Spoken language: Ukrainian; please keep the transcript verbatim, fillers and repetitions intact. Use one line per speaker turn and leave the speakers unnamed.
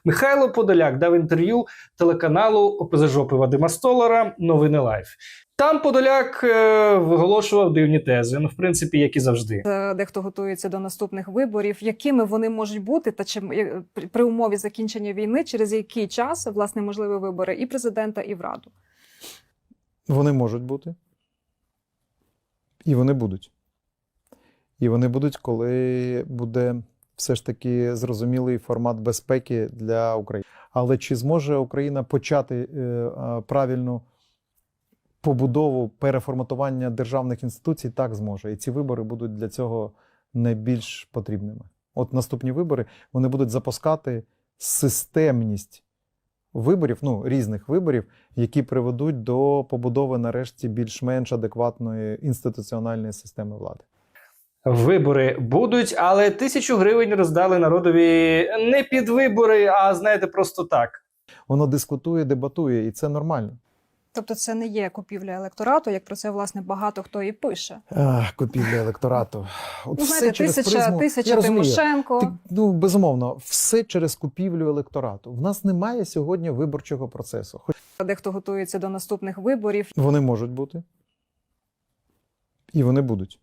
Михайло Подоляк дав інтерв'ю телеканалу ОПЗЖопи Вадима Столара «Новини Лайф». Там Подоляк е, виголошував дивні тези, ну, в принципі, як і завжди.
Дехто готується до наступних виборів. Якими вони можуть бути, та чи при умові закінчення війни, через який час, власне, можливі вибори і президента, і в Раду?
Вони можуть бути. І вони будуть. І вони будуть, коли буде все ж таки зрозумілий формат безпеки для України. Але чи зможе Україна почати е, правильну побудову, переформатування державних інституцій? Так, зможе. І ці вибори будуть для цього найбільш потрібними. От наступні вибори, вони будуть запускати системність виборів, ну, різних виборів, які приведуть до побудови, нарешті, більш-менш адекватної інституціональної системи влади.
Вибори будуть, але тисячу гривень роздали народові не під вибори, а, знаєте, просто так.
Воно дискутує, дебатує, і це нормально.
Тобто це не є купівля електорату, як про це, власне, багато хто і пише.
Ах, купівля електорату. От
Ну,
все
знаєте,
через
тисяча,
призму.
тисяча
Я розумію.
Тимошенко.
Ти, ну, безумовно, все через купівлю електорату. В нас немає сьогодні виборчого процесу. Хоч
Дехто готується до наступних виборів.
вони можуть бути. І вони будуть.